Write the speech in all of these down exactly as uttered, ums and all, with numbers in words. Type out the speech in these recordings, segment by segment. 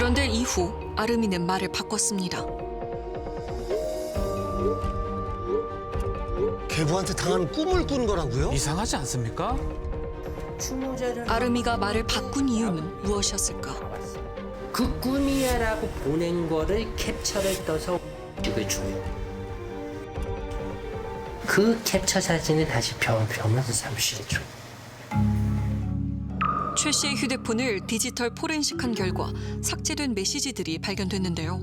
그런데 이후 아름이는 말을 바꿨습니다. 계부한테 당하는 꿈을 꾼 거라고요? 이상하지 않습니까? 아름이가 말을 바꾼 이유는 무엇이었을까? 그 꿈이야라고 보낸 거를 캡처를 떠서 이걸 줘요. 그 캡처 사진을 다시 병, 병원서 사무실에 줘요. 최 씨의 휴대폰을 디지털 포렌식한 결과 삭제된 메시지들이 발견됐는데요.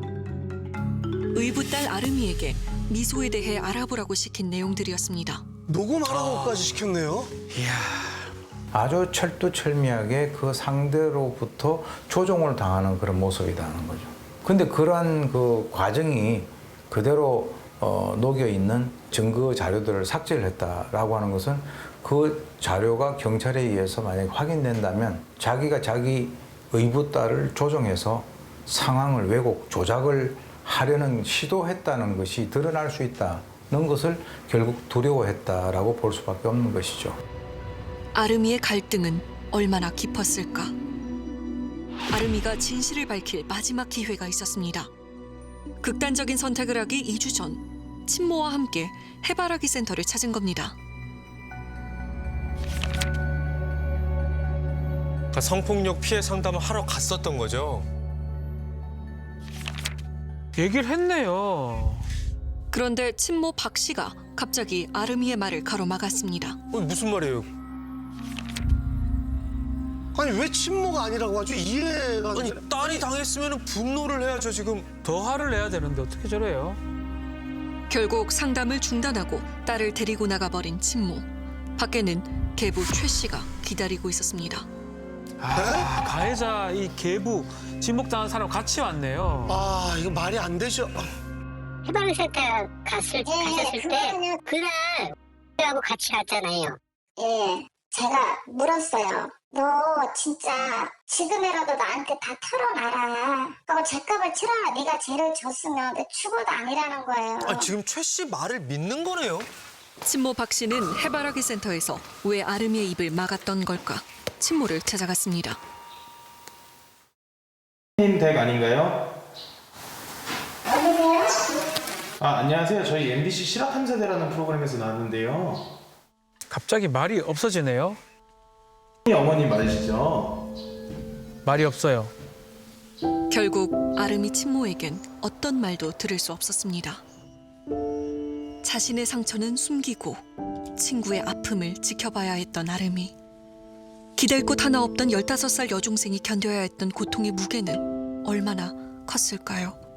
의붓 딸 아름이에게 미소에 대해 알아보라고 시킨 내용들이었습니다. 녹음하라고까지 시켰네요. 아주 철두철미하게 그 상대로부터 조종을 당하는 그런 모습이라는 거죠. 근데 그러한 그 과정이 그대로 어, 녹여 있는 증거 자료들을 삭제를 했다라고 하는 것은 그 자료가 경찰에 의해서 만약에 확인된다면 자기가 자기 의붓딸을 조종해서 상황을 왜곡, 조작을 하려는 시도했다는 것이 드러날 수 있다는 것을 결국 두려워했다라고 볼 수밖에 없는 것이죠. 아름이의 갈등은 얼마나 깊었을까? 아름이가 진실을 밝힐 마지막 기회가 있었습니다. 극단적인 선택을 하기 이 주 전 친모와 함께 해바라기 센터를 찾은 겁니다. 그러니까 성폭력 피해 상담을 하러 갔었던 거죠. 얘기를 했네요. 그런데 친모 박 씨가 갑자기 아름이의 말을 가로막았습니다. 어, 무슨 말이에요? 아니 왜 친모가 아니라고 하죠? 이해가 안 아니 돼. 딸이 당했으면 분노를 해야죠 지금. 더 화를 내야 되는데 어떻게 저래요? 결국 상담을 중단하고 딸을 데리고 나가버린 친모. 밖에는 계부 최 씨가 기다리고 있었습니다. 아, 가해자 이 계부 지목당한 사람 같이 왔네요. 아 이거 말이 안 되죠. 해바라기 센터 갔을, 가셨을 때 그날 하고 같이 갔잖아요. 예, 제가 물었어요. 너 진짜 지금이라도 나한테 다 털어놔라. 하고 죗값을 치러라. 네가 죄를 졌으면 내 죽어도 아니라는 거예요. 아 지금 최 씨 말을 믿는 거네요. 친모 박 씨는 해바라기 센터에서 왜 아름이의 입을 막았던 걸까? 친모를 찾아갔습니다. 님 댁 아닌가요? 어디세요? 아, 안녕하세요. 저희 엠비씨 실화탐사대라는 프로그램에서 나왔는데요. 갑자기 말이 없어지네요. 어머님 맞으시죠? 말이 없어요. 결국 아름이 친모에겐 어떤 말도 들을 수 없었습니다. 자신의 상처는 숨기고 친구의 아픔을 지켜봐야 했던 아름이. 기댈 곳 하나 없던 열다섯 살 여중생이 견뎌야 했던 고통의 무게는 얼마나 컸을까요?